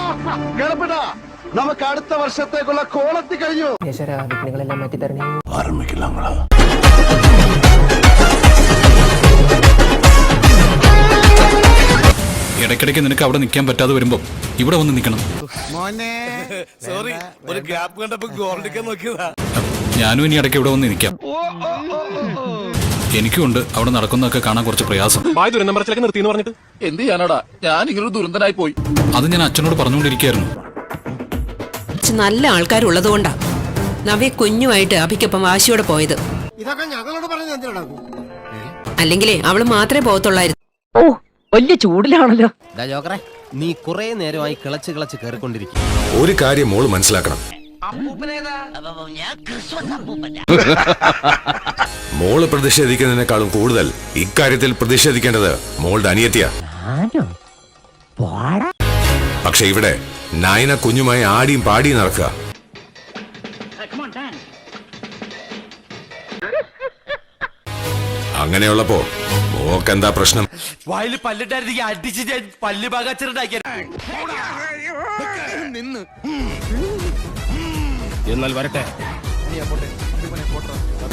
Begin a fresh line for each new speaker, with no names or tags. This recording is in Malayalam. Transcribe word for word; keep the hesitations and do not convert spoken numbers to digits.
നമുക്ക് അടുത്ത വർഷത്തേക്കുള്ള കോളത്തി കഴിഞ്ഞു.
വിഘ്നങ്ങളെല്ലാം മാറ്റി തരണേ.
ഇടയ്ക്കിടയ്ക്ക് നിനക്ക് അവിടെ നിൽക്കാൻ പറ്റാതെ വരുമ്പോ ഇവിടെ വന്ന് നിൽക്കണം.
സോറി, ഒരു ഗ്യാപ്പ് കണ്ടപ്പോ ഗോൾ അടിക്കാൻ നോക്കിയതാ.
ഞാനും ഇനി ഇടയ്ക്ക് ഇവിടെ വന്ന് നിൽക്കാം. എനിക്കുണ്ട് അവിടെ നടക്കുന്നതൊക്കെ കാണാൻ കുറച്ച് പ്രയാസം.
പറഞ്ഞിട്ട് എന്ത് ചെയ്യാനാടാ, ഞാൻ ഇങ്ങനെ ദുരന്തനായി പോയി.
അത് ഞാൻ അച്ഛനോട് പറഞ്ഞുകൊണ്ടിരിക്കുകയായിരുന്നു.
നല്ല ആൾക്കാരുള്ളത് കൊണ്ടാ നവ്യ കുഞ്ഞുമായിട്ട് അഭിക്കൊപ്പം വാശിയോടെ പോയത്.
ഇതൊക്കെ ഞങ്ങളോട് പറഞ്ഞു എന്തിനാ?
അല്ലെങ്കിലേ അവള് മാത്രമേ പോകത്തുള്ളായിരുന്നു.
ഓ വലിയ ചൂടിലാണല്ലോ.
നീ കുറെ നേരമായി കിളച്ച് കിളച്ച് കയറിക്കൊണ്ടിരിക്കും.
ഒരു കാര്യം മോള് മനസ്സിലാക്കണം. മോള് പ്രതിഷേധിക്കുന്നതിനേക്കാളും കൂടുതൽ ഇക്കാര്യത്തിൽ പ്രതിഷേധിക്കേണ്ടത് മോളുടെ അനിയത്തിയാ. പക്ഷെ ഇവിടെ നായന കുഞ്ഞുമായി ആടിയും പാടിയും നടക്കുക. അങ്ങനെയുള്ളപ്പോ മോക്കെന്താ പ്രശ്നം?
വായില് പല്ലിട്ടായിരുന്നെങ്കിൽ അടിച്ച് ഞാൻ പല്ല് പാകാച്ചിട്ടുണ്ടാക്കിയ നിന്ന്.
എന്നാൽ വരട്ടെ.